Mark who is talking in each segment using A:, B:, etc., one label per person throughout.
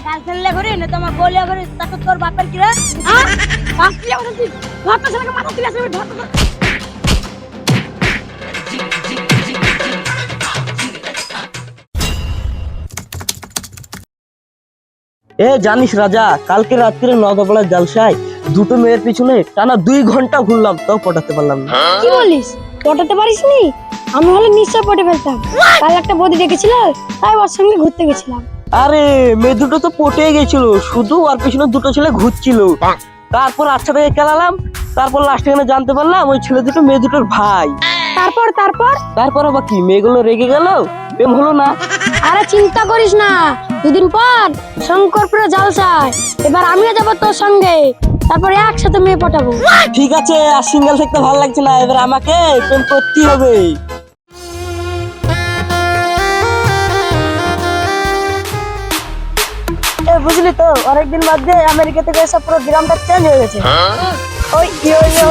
A: গার্লফ্রেন্ডলে ঘুরি না তোমার বলে ঘুরি তাকে তোর বাপের কি রে হ্যাঁ বাপি আমার তুই ধর তো ছেলেকে মাথা তুলে আসবি ধর তো
B: এ জানিস রাজা, কালকে রাত্রে নদাপাড়ার জালসায় দুটো মেয়ের পিছনে টানা 2 ঘন্টা ঘুরলাম, তাও পটাতে পারলাম না।
A: কি বলিস পটাতে পারিসনি? আমি হলে নিশ্চয় পটে ফেলতাম। কাল একটা বৌদি দেখেছিল, তাই ওর সঙ্গে ঘুরতে গেছিলাম।
B: আরে মেয়ে দুটো তো পটে গেছিল, শুধু আর পিছনে দুটো ছেলে ঘুরছিল। তারপর আচ্ছা থেকে খেলালাম, তারপর লাস্টে এখানে জানতে পারলাম ওই ছেলে দুটো মেয়ে দুটোর ভাই।
A: তারপর তারপর
B: তারপর আবার কি, মেয়েগুলো রেগে গেল, প্রেম হলো না।
A: আরে চিন্তা করিস না, দুদিন পর শঙ্করপুরে জালসায় এবার আমিও যাবো তোর সঙ্গে, তারপরে একসাথে মেয়ে পটাবো।
B: ঠিক আছে, আর সিঙ্গেল থাকতে ভালো লাগছে না, এবার আমাকে প্রেম করতেই হবে। বুঝলি তো, অনেকদিন বাদে আমেরিকা থেকে এসে পুরো গ্রামটা চেঞ্জ হয়ে গেছে। ওই ইয়ো ইয়ো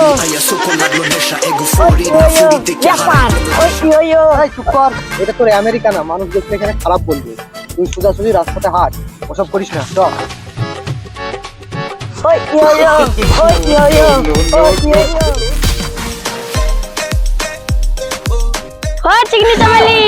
C: এটা তোর আমেরিকা না, মানুষ দেখলে এখানে খারাপ বলবে। তুই সোজাসুজি রাস্তাতে হাঁট, ওসব করিস না। চল
A: চিকনি চামেলি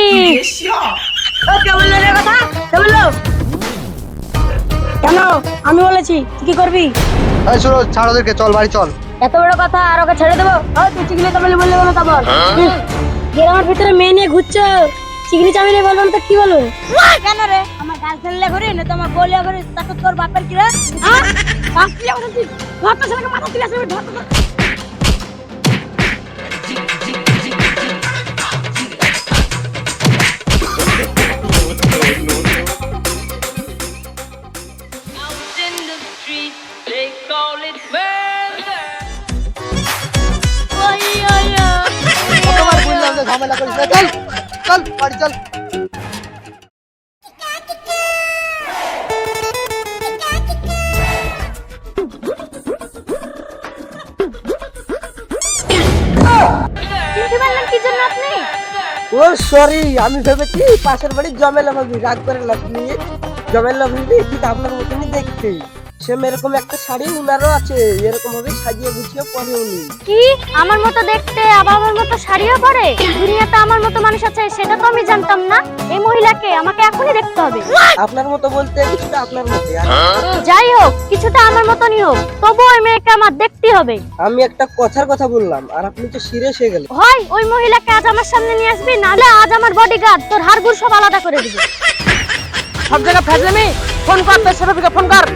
A: কেন? আমি বলেছি তুই কি করবি?
C: ছাড় ওদেরকে, চল বাড়ি চল।
A: এত বড় কথা আর ওকে ছেড়ে দেবো? তুই চিকনি চামেলি বললে বলো তারপর গ্রামের ভিতরে মেয়ে নিয়ে ঘুরছো, চিকনি চামেলি বলবো না তো কি বলবো? কেন রে, আমার গার্লফ্রেন্ডলে ঘুরি না তোমার বলে ঘুরি তাকে তোর বাপের কি রে হ্যাঁ বাপি আমার তুই ধর তো ছেলেকে মাথা তুলে আসবি ধর তো
C: কতবার বললাম যে ঝামেলা করিস না, চল চল বাড়ি চল।
A: কি জন্য আপনি?
B: ও সরি, আমি ভেবেছি পাশের বাড়ির জমেলা ভাবি, রাগ করে লাগনি। জমেলা ভাবি ঠিক আপনার মতনই দেখতে, সেম এরকম একটা শাড়ি উনারও আছে, এরকম ভাবে সাজিয়ে গুছিয়ে পরে উনি।
A: কি আমার মতো দেখতে আবার আমার মতো শাড়িও পরে? দুনিয়াতে আমার মতো মানুষ আছে সেটা তো আমি জানতাম না। এই মহিলাকে আমাকে এখনই দেখতে হবে।
B: আপনার মতো বলতে কিছুটা আপনার মতো।
A: যাই হোক, কিছুটা আমার মতনই হোক, তবু ওই মেয়েকে আমার দেখতেই হবে।
B: আমি একটা কথার কথা বললাম আর আপনি তো সিরিয়াস হয়ে গেলেন।
A: হয় ওই মহিলাকে আজ আমার সামনে নিয়ে আসবি, নাহলে আজ আমার বডিগার্ড তোর হাড়গুড় সব আলাদা করে দিবে।
B: সব জায়গা ফেজলামি, ফোন কর তোর সাথে, ফোন কর।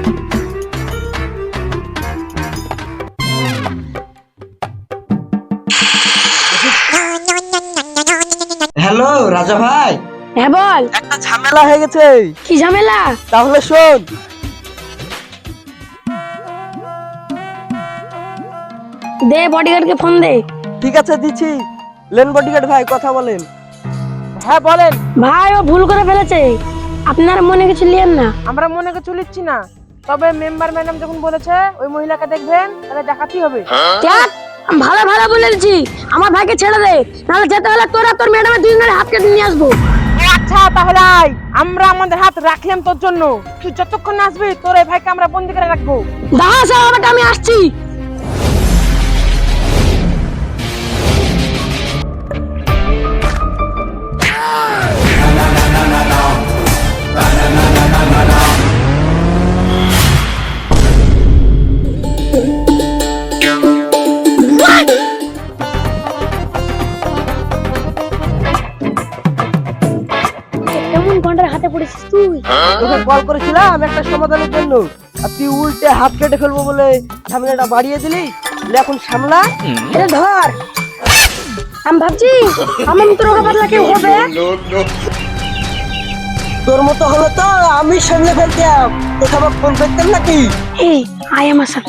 B: হ্যালো রাজা ভাই।
A: হ্যাঁ বল।
B: একটা ঝামেলা হয়ে গেছে।
A: কি ঝামেলা?
B: তাহলে শোন,
A: দে বডিগার্ডকে ফোন দে।
B: ঠিক আছে দিচ্ছি। লেন বডিগার্ড ভাই, কথা বলেন। হ্যাঁ বলেন।
A: ভাই ও ভুল করে ফেলেছে, আপনার মনে কিছু লিয়েন না।
D: আমরা মনে কিছু লিখছি না, তবে মেম্বার ম্যাডাম যখন বলেছে ওই মহিলাকে দেখবেন, তাহলে দেখাতেই হবে।
A: দেখ, আমি ভালো ভালো বলেছি, আমার ভাইকে ছেড়ে দে, নাহলে যেতে হলে তোরা তোর ম্যাডামের দুজনের হাত কেটে নিয়ে আসবো।
D: আচ্ছা তাহলে আয়, আমরা আমাদের হাত রাখলাম তোর জন্য, তুই যতক্ষণ না আসবি তোর এই ভাইকে আমরা বন্দি করে রাখবো।
A: দাঁড়া সাহেব, আমি আসছি। কেমন গন্ডার হাতে পড়েছিস তুই?
B: তোকে কল করেছিলাম একটা সমাধানের জন্য, আর তুই উল্টে হাত কেটে ফেলবো বলে ঝামেলাটা বাড়িয়ে দিলি। এখন সামলা,
A: এটা ধর। আমি ভাবছি আমার মতো রোগা পাতলা কেউ হবে?
B: তোর মতো হলো তো আমি সামলে ফেলতাম, তোকে আবার ফোন করতাম নাকি?
A: এই আয় আমার সাথে।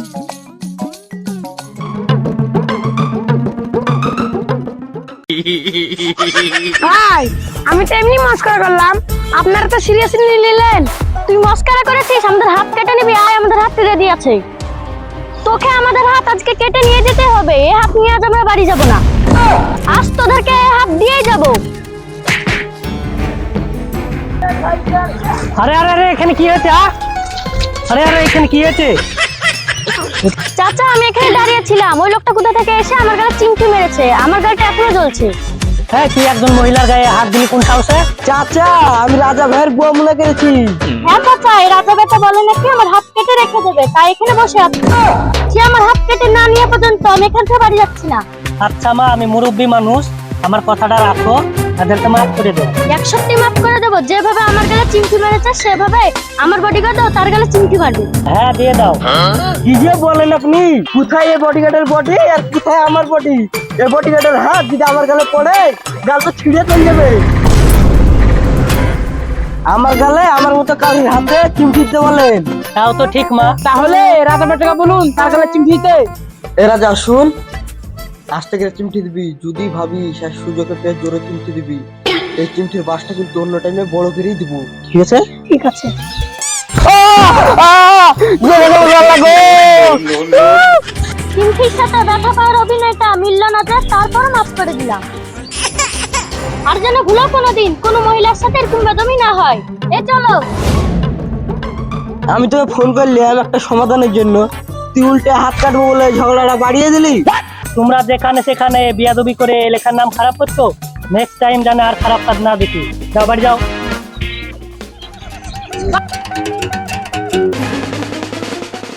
A: ভাই আমি তো এমনি মস্করা করলাম, আপনারা তো সিরিয়াসলি নিলেন। তুই মস্করা করেছিস, আমাদের হাত কেটে নিবি? আয়, আমাদের হাত কেটে দিয়েছে। তোকে আমাদের হাত আজকে কেটে নিয়ে যেতে হবে, এই হাত নিয়ে আজ আমরা বাড়ি যাব না, আজ তোদেরকে এই হাত দিয়ে যাব।
E: আরে আরে আরে এখানে কি হয়েছে? আরে আরে এখানে কি হয়েছে?
A: চাচা আমি এখানে দাঁড়িয়ে ছিলাম, ওই লোকটা কোথা থেকে এসে আমার গায়ে চিমটি মেরেছে, আমার গাড়িটা এখনো জ্বলছে।
E: হ্যাঁ, তুই একজন মহিলার গায়ে হাত দিলি কোন সাহসে?
B: চাচা আমি রাজা ভাইয়ের বুয়া মনে করেছি।
A: হ্যাঁ চাচা, এই রাজা বেটা বলে নাকি আমার হাত কেটে রেখে দেবে, তাই এখানে বসে আছে। সে আমার হাত কেটে না নিয়ে পর্যন্ত আমি এখান থেকে বাড়ি যাচ্ছি না।
E: আচ্ছা মা, আমি মুরব্বী মানুষ, আমার কথাটা রাখো, তাদেরকে মাফ করে দেবো।
A: 100টি মাফ করে দেবো। যেভাবে আমার গালে চিমটি মেরেছে সেভাবে আমার বডিগার্ডও তার গালে চিমটি মারবে।
E: হ্যাঁ দিয়ে দাও।
B: কি যে বলেন আপনি? কোথায় এই বডিগার্ডের বডি আর কোথায় আমার বডি? এই বডিগার্ডের হাত যদি আমার গালে পড়ে গাল তো ছিঁড়ে চলে যাবে। আমার গালে আমার মতো কারোর হাতে চিমটি দিতে বলেন?
E: তাও তো ঠিক মা।
D: তাহলে রাজা বেটাকে বলুন তার গালে চিমটি দিতে।
B: এরা যা শুন, আস্তে করে চিমটি দিবি, যদি ভাবি সে সুযোগে পেয়ে জোরে চিমটি দিবি। এই চিমটির বাসটা কিন্তু অন্য টাইমে বড় করেই দিব, ঠিক আছে?
A: ঠিক আছে। চিমটির সাথে ব্যথা পাওয়ার অভিনয়টা মিলল না, যে তারপর মাফ করে দিলাম। আর যেন ভুলো কোনোদিন কোনো মহিলার সাথে এরকম বেদমি না হয়। এই চলো।
B: আমি তোকে ফোন করলাম একটা সমাধানের জন্য, তুই উল্টে হাত কাটবো বলে ঝগড়াটা বাড়িয়ে দিলি।
E: তোমরা যেখানে সেখানে বিয়াদবি করে এলাকার নাম খারাপ করছো, নেক্সট টাইম জানে আর খারাপ কাজ না দেখি। যাও বাড়ি যাও।